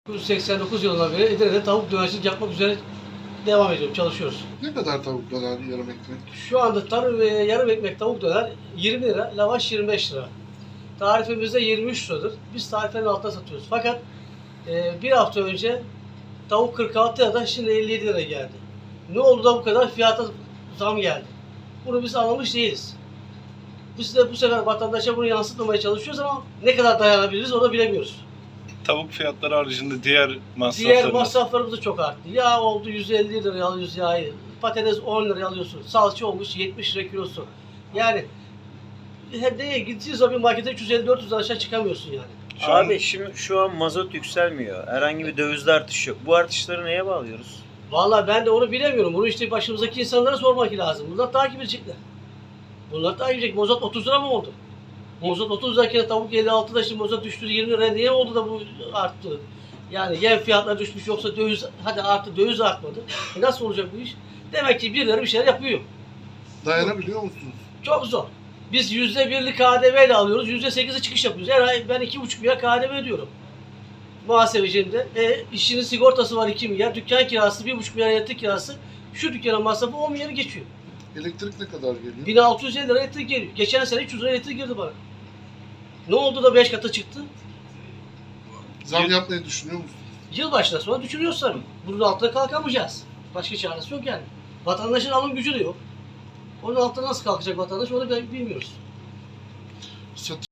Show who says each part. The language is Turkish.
Speaker 1: 1989 yılından beri Edirne'de tavuk dönercilik yapmak üzere devam ediyorum, çalışıyoruz.
Speaker 2: Ne kadar tavuk döner yarım ekmek?
Speaker 1: Şu anda yarım ekmek tavuk döner 20 lira, lavaş 25 lira. Tarifimizde 23 liradır. Biz tarifenin altına satıyoruz. Fakat bir hafta önce tavuk 46 liradan şimdi 57 lira geldi. Ne oldu da bu kadar fiyata zam geldi? Bunu biz anlamış değiliz. Biz de bu sefer vatandaşa bunu yansıtmamaya çalışıyoruz ama ne kadar dayanabiliriz onu bilemiyoruz.
Speaker 3: Tavuk fiyatları haricinde diğer masraflarınız.
Speaker 1: Diğer masraflarımız da çok arttı. Yağ oldu 150 liraya alıyoruz yağı. Patates 10 liraya alıyorsun. Salça olmuş 70 lira kilosu. Yani neye gittiğin zaman bir markete 350-400 lira aşağı çıkamıyorsun yani.
Speaker 4: Abi şimdi şu an mazot yükselmiyor. Herhangi bir dövizde artış yok. Bu artışları neye bağlıyoruz?
Speaker 1: Vallahi ben de onu bilemiyorum. Bunu işte başımızdaki insanlara sormak lazım. Bunlar takip edecekler. Bunlar takip edecek. Mazot 30 lira mı oldu? Mazot 30 lirayken tavuk 56'da şimdi mazot düştü 20 liraya. Niye oldu da bu arttı? Yani yem fiyatları düşmüş yoksa döviz hadi arttı döviz artmadı. Nasıl olacak bu iş? Demek ki birileri bir şeyler yapıyor.
Speaker 2: Dayanabiliyor musunuz?
Speaker 1: Çok zor. Biz %1'lik KDV ile alıyoruz. %8'e çıkış yapıyoruz. Her ay ben 2,5 milyar KDV ödüyorum. Muhasebecinde. İşinin sigortası var 2 milyar. Dükkan kirası 1,5 milyar elektrik kirası. Şu dükkanın masrafı 10 milyarı geçiyor.
Speaker 2: Elektrik ne kadar geliyor?
Speaker 1: 1650 lira elektrik geliyor. Geçen sene 300 lira elektrik girdi bana. Ne oldu da 5 katı çıktı?
Speaker 2: Zam yapmayı düşünüyor musunuz?
Speaker 1: Yılbaşından sonra düşünüyoruz tabii. Bunun altına kalkamayacağız. Başka çaresi yok yani. Vatandaşın alım gücü de yok. Onun altına nasıl kalkacak vatandaş onu bilmiyoruz.